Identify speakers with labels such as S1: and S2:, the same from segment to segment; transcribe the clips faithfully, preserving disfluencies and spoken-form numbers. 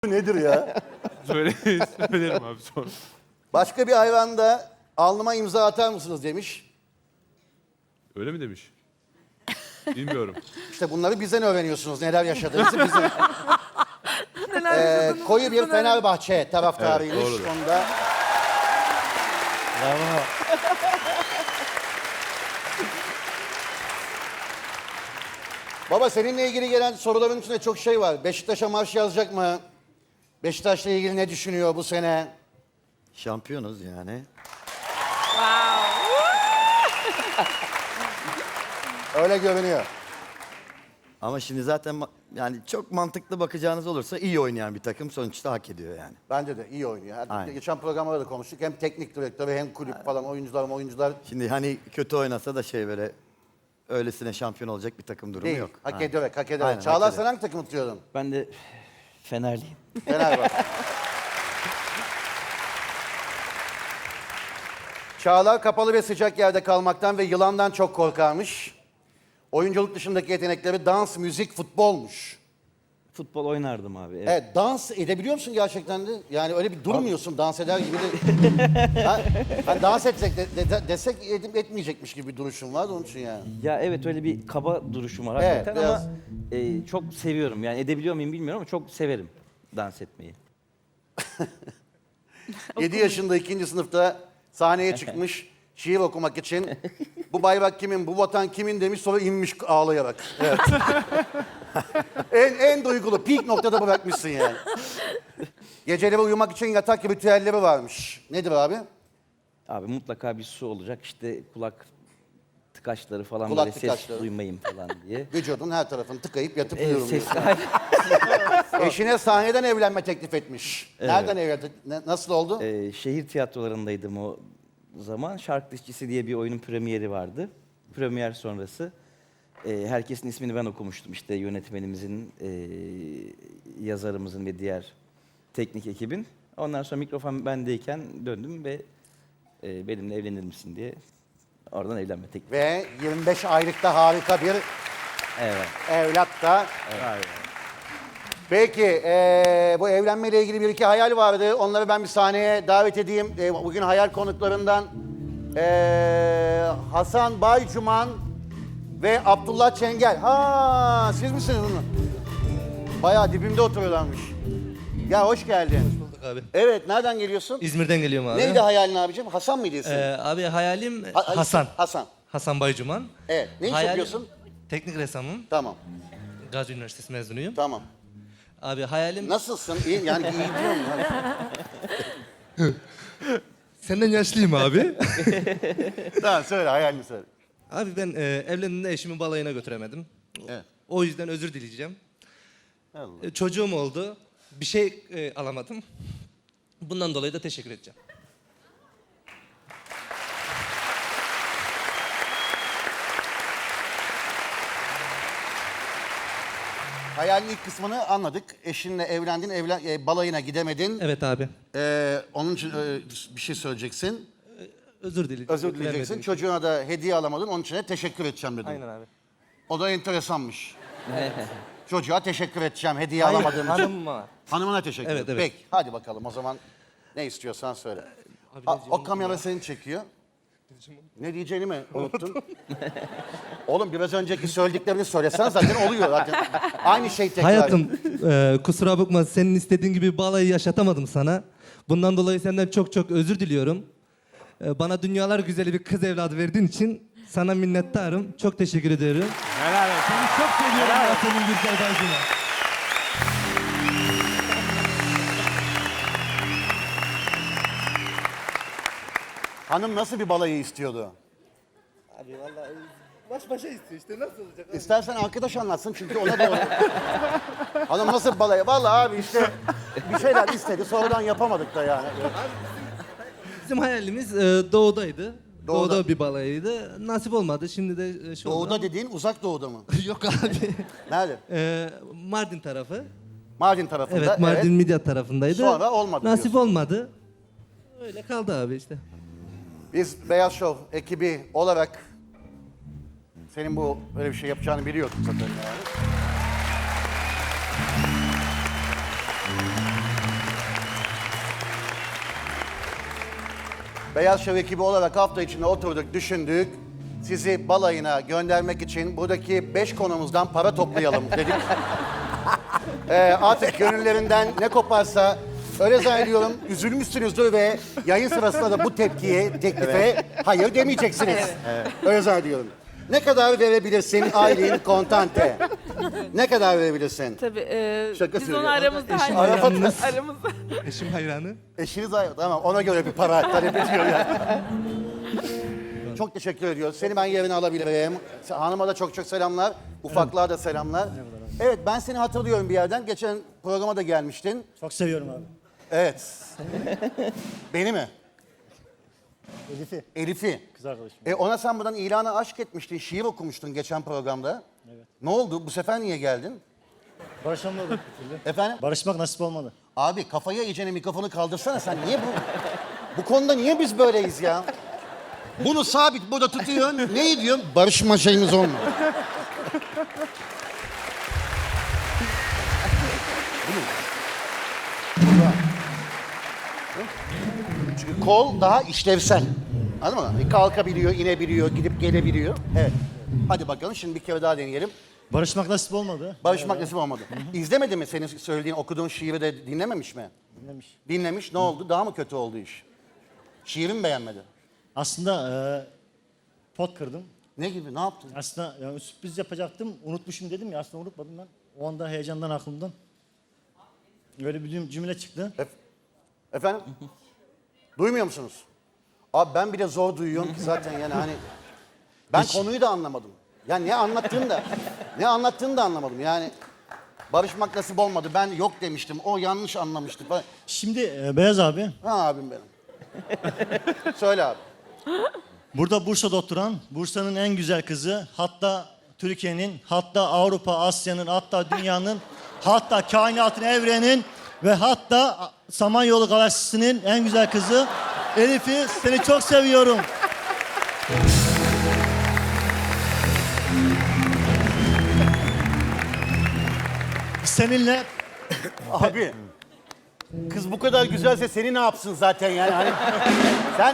S1: Nedir ya?
S2: Söyle, söylerim abi sonra.
S1: Başka bir hayvanda alnıma imza atar mısınız demiş.
S2: Öyle mi demiş? Bilmiyorum.
S1: İşte bunları bizden öğreniyorsunuz. Neler yaşadığınızı bizden. ee, koyu bir Fenerbahçe taraftarıymış.
S2: Evet, doğrudur.
S1: Onda
S3: Bravo.
S1: baba seninle ilgili gelen soruların içinde çok şey var. Beşiktaş'a marş yazacak mı? Beşiktaş'la ilgili ne düşünüyor bu sene?
S3: Şampiyonuz yani.
S1: Öyle görünüyor.
S3: Ama şimdi zaten ma- yani çok mantıklı bakacağınız olursa iyi oynayan bir takım sonuçta hak ediyor yani.
S1: Bence de iyi oynuyor. Her-
S3: Aynen.
S1: Geçen programlarda da konuştuk. Hem teknik direktörü hem kulüp falan oyuncular oyuncular
S3: Şimdi hani kötü oynasa da şey böyle öylesine şampiyon olacak bir takım durumu
S1: değil.
S3: yok.
S1: Hak
S3: Aynen.
S1: ederek, hak ederek.
S3: Aynen, hak
S1: Çağlar
S3: ederek.
S1: sen hangi takımı tutuyordun?
S4: Ben de Fenerliyim.
S1: Fenerbahçe. Çağlar kapalı ve sıcak yerde kalmaktan ve yılandan çok korkarmış. Oyunculuk dışındaki yetenekleri dans, müzik, futbolmuş.
S4: Futbol oynardım abi. Evet.
S1: Evet, dans edebiliyor musun gerçekten de? Yani öyle bir durmuyorsun dans eder gibi de. ha, hani dans etsek de, de- desek edip etmeyecekmiş gibi bir duruşun var da onun için yani.
S4: Ya evet öyle bir kaba duruşum var
S1: Evet,
S4: hakikaten
S1: biraz-
S4: ama e, çok seviyorum. Yani edebiliyor muyum bilmiyorum ama çok severim dans etmeyi.
S1: yedi yaşında ikinci sınıfta sahneye çıkmış şiir okumak için. Bu bayrak kimin, bu vatan kimin demiş sonra inmiş ağlayarak. Evet. en, en duygulu, peak noktada bırakmışsın yani. Geceleri uyumak için yatak ritüelleri varmış. Nedir abi?
S4: Abi mutlaka bir su olacak işte kulak tıkaçları falan
S1: Kulak
S4: böyle
S1: tıkaçları.
S4: ses duymayayım falan diye.
S1: Vücudun her tarafını tıkayıp yatıp
S4: E,
S1: uyuyorum.
S4: ses
S1: diyorsun. Eşine sahneden evlenme teklif etmiş. Nereden evlendi? Ne- Nasıl oldu?
S4: e, şehir tiyatrolarındaydım o zaman. Şark Dişçisi diye bir oyunun premieri vardı. Premier sonrası e, herkesin ismini ben okumuştum. İşte yönetmenimizin, e, yazarımızın ve diğer teknik ekibin. Ondan sonra mikrofon bendeyken döndüm ve e, benimle evlenir misin diye oradan evlenme teklifi.
S1: Ve yirmi beş aylıkta harika bir
S4: Evet.
S1: evlat da. Peki, eee, bu evlenmeyle ilgili bir iki hayal vardı. Onları ben bir sahneye davet edeyim. Eee, bugün hayal konuklarından eee, Hasan Baycuman ve Abdullah Çengel. Ha, siz misiniz bunu? Bayağı dibimde oturuyorlarmış. Ya hoş geldin.
S5: Bulduk abi.
S1: Evet, nereden geliyorsun?
S5: İzmir'den geliyorum abi.
S1: Neydi hayalin abicim? Hasan mıydı isim?
S5: Ee, abi hayalim
S1: Ha- ha-
S5: Hasan.
S1: Hasan.
S5: Hasan Baycuman.
S1: Evet, ne iş
S5: Hayalim-
S1: yapıyorsun?
S5: Teknik ressamım.
S1: Tamam,
S5: Gazi Üniversitesi mezunuyum.
S1: tamam.
S5: Abi hayalim...
S1: Nasılsın? İyi, yani iyi diyorum.
S5: Senden yaşlıyım abi.
S1: Tamam, söyle, hayalini söyle.
S5: abi ben e, evlendiğimde eşimi balayına götüremedim.
S1: Evet.
S5: O yüzden özür dileyeceğim.
S1: Allah.
S5: E, çocuğum oldu. Bir şey e, alamadım. Bundan dolayı da teşekkür edeceğim.
S1: Hayalin ilk kısmını anladık. Eşinle evlendin, evlen, e, balayına gidemedin.
S5: Evet abi.
S1: Ee, onun için e, bir şey söyleyeceksin.
S5: Özür dileyeceğim.
S1: Özür dileyeceksin.
S5: Götüremediğim için.
S1: Çocuğuna da hediye alamadın. Onun için de teşekkür edeceğim dedin.
S5: Aynen abi.
S1: O da enteresanmış. Çocuğa teşekkür edeceğim hediye alamadığım için.
S5: Hanım var.
S1: Hanımına teşekkür
S5: Evet,
S1: ederim.
S5: evet.
S1: Peki, hadi bakalım o zaman ne istiyorsan söyle. A- o kamera seni çekiyor. Ne diyeceğini mi unuttun? Oğlum biraz önceki söylediklerini söylesen zaten oluyor zaten. Aynı şey tekrar.
S5: Hayatım e, kusura bakma senin istediğin gibi balayı yaşatamadım sana. Bundan dolayı senden çok çok özür diliyorum. E, bana dünyalar güzeli bir kız evladı verdiğin için sana minnettarım. Çok teşekkür ediyorum.
S2: Helal olsun.
S5: Seni çok seviyorum ya senin güzel bacına.
S1: Hanım nasıl bir balayı istiyordu?
S5: Abi vallahi baş başa istiyor işte nasıl olacak?
S1: İstersen arkadaş anlatsın çünkü ona da Hanım nasıl balayı? Vallahi abi işte bir şeyler istedi sonradan yapamadık da yani.
S5: Bizim hayalimiz e, doğudaydı.
S1: Doğuda.
S5: Doğuda. bir balayıydı. Nasip olmadı. Şimdi de e, şu
S1: Doğuda
S5: oldu.
S1: dediğin uzak doğuda mı?
S5: Yok abi.
S1: Nerede?
S5: E, Mardin tarafı.
S1: Mardin tarafında.
S5: Evet Mardin Midyat tarafındaydı.
S1: Sonra olmadı
S5: Nasip
S1: diyorsun.
S5: olmadı. Öyle kaldı abi işte.
S1: Biz Beyaz Show ekibi olarak senin bu böyle bir şey yapacağını biliyorduk zaten yani. Beyaz Şov ekibi olarak hafta içinde oturduk, düşündük. Sizi balayına göndermek için buradaki beş konumuzdan para toplayalım dedik. Ee, artık gönüllerinden ne koparsa öyle zannediyorum üzülmüşsünüzdür ve yayın sırasında da bu tepkiye, teklife hayır demeyeceksiniz. Öyle zannediyorum. Ne kadar verebilirsin Aylin Kontante? Ne kadar verebilirsin?
S6: Tabii. E,
S1: Şaka
S6: biz onu
S1: söylüyorum.
S6: aramızda
S5: Eşim
S6: hallederiz.
S5: hayranınız.
S6: Aramızda.
S5: Eşim hayranı.
S1: Eşiniz ayrı. Tamam ona göre bir para talep ediyor yani. Çok teşekkür ediyoruz. Seni ben yerine alabilirim. Hanıma da çok çok selamlar. Ufaklığa da selamlar. Evet ben seni hatırlıyorum bir yerden. Geçen programa da gelmiştin.
S7: Çok seviyorum abi.
S1: Evet. Beni mi?
S7: Elif'i.
S1: Elif'i.
S7: Kız arkadaşım.
S1: E ona sen buradan ilana aşk etmiştin, şiir okumuştun geçen programda.
S7: Evet.
S1: Ne oldu? Bu sefer niye geldin?
S7: Barışamadık bir türlü.
S1: Efendim?
S7: Barışmak nasip olmadı.
S1: Abi kafaya iyicene mikrofonu kaldırsana sen. Niye bu? Bu konuda niye biz böyleyiz ya? Bunu sabit burada tutuyorsun. Ne diyorsun? Barışma şeyimiz olmuyor. Bu mu? Burada. Çünkü kol daha işlevsel. Anladın mı? Kalkabiliyor, inebiliyor, gidip gelebiliyor. Evet. Hadi bakalım şimdi bir kere daha deneyelim.
S7: Barışmak nasip olmadı.
S1: Barışmak nasip olmadı. İzlemedi mi senin söylediğin, okuduğun şiiri de dinlememiş mi?
S7: Dinlemiş.
S1: Dinlemiş. Ne oldu? Daha mı kötü oldu iş? Şiiri mi beğenmedi?
S7: Aslında e, pot kırdım.
S1: Ne gibi? Ne yaptın?
S7: Aslında yani sürpriz yapacaktım. Unutmuşum dedim ya. Aslında unutmadım ben. O anda heyecandan aklımdan. Öyle bir cümle çıktı.
S1: Efendim? Duymuyor musunuz? Abi ben bile zor duyuyorum ki zaten yani hani... Ben
S7: Hiç.
S1: konuyu da anlamadım. Yani ne anlattığını da... ne anlattığını da anlamadım yani. Barışmak nasip olmadı. Ben yok demiştim. O yanlış anlamıştı. falan.
S7: Şimdi e, Beyaz abi.
S1: Ha abim benim. Söyle abi.
S7: Burada Bursa'da oturan, Bursa'nın en güzel kızı, hatta Türkiye'nin, hatta Avrupa, Asya'nın, hatta dünyanın, hatta kainatın, evrenin ve hatta Samanyolu galaksisinin en güzel kızı Elif'i seni çok seviyorum. Seninle
S1: Abi. Kız bu kadar güzelse seni ne yapsın zaten yani hani. Sen...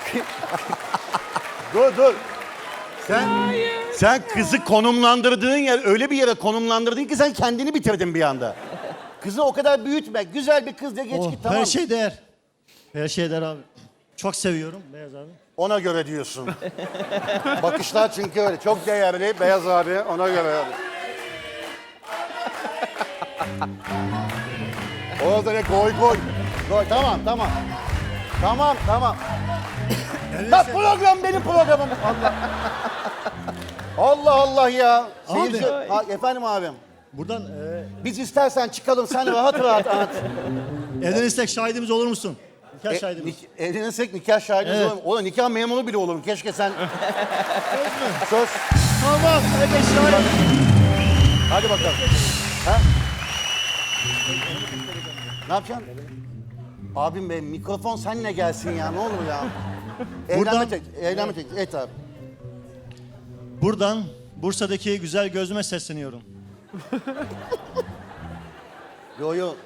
S1: dur dur. Sen... Sen kızı konumlandırdığın yer öyle bir yere konumlandırdın ki sen kendini bitirdin bir anda. Kızı o kadar büyütme. Güzel bir kız de geç
S7: oh,
S1: git tamam.
S7: her şey değer. Her şey değer abi. Çok seviyorum Beyaz abi.
S1: Ona göre diyorsun. Bakışlar çünkü öyle. Çok değerli Beyaz abi ona göre. Orada ne koy koy. Koy tamam tamam. Tamam tamam. Ya program benim programım. Allah. Allah Allah ya.
S7: Abi.
S1: Seyirci- Ha, efendim abim.
S7: Buradan e,
S1: Biz istersen çıkalım sen rahat rahat anlat.
S7: evlenirsek şahidimiz olur musun? Nikah
S1: E,
S7: şahidimiz.
S1: nik- evlenirsek nikah şahidimiz
S7: Evet.
S1: olur. Oğlum nikah memuru bile olurum. Keşke sen... Söz.
S7: Tamam. Evet şahit.
S1: Hadi bakalım. Ha? Ne yapacaksın? Abim be mikrofon seninle gelsin ya ne olur ya. Evlenme
S7: Buradan-
S1: tek, evlenme tek. Evet abi.
S7: Buradan Bursa'daki güzel gözüme sesleniyorum.
S1: Yo yo.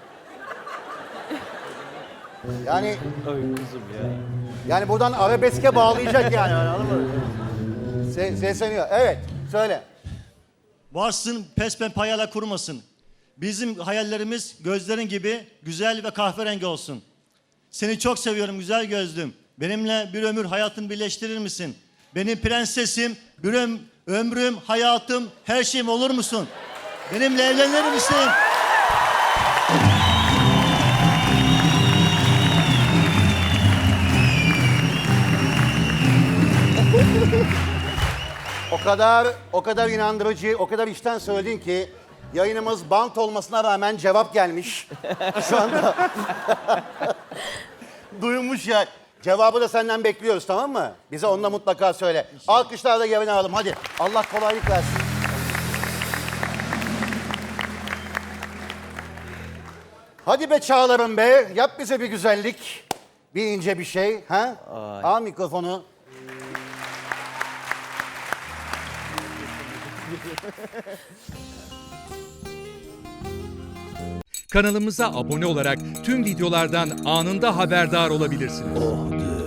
S1: Yani
S4: Oy kuzum ya.
S1: yani buradan arabeske bağlayacak yani anladın mı? Se sesleniyor. Evet söyle.
S7: Varsın pespen payala kurmasın. Bizim hayallerimiz gözlerin gibi güzel ve kahverengi olsun. Seni çok seviyorum güzel gözlüm. Benimle bir ömür hayatını birleştirir misin? Benim prensesim, bir öm- ömrüm, hayatım, her şeyim olur musun? Benimle evlenir misin?
S1: O kadar o kadar inandırıcı, o kadar içten söyledin ki yayınımız bant olmasına rağmen cevap gelmiş. Şu anda duymuş ya. Cevabı da senden bekliyoruz tamam mı? Bize onu da mutlaka söyle. Alkışlarla yerine alalım hadi. Allah kolaylık versin. Hadi be Çağlar'ım be. Yap bize bir güzellik. Bir ince bir şey. Ha? Al mikrofonu.
S8: Kanalımıza abone olarak tüm videolardan anında haberdar olabilirsiniz.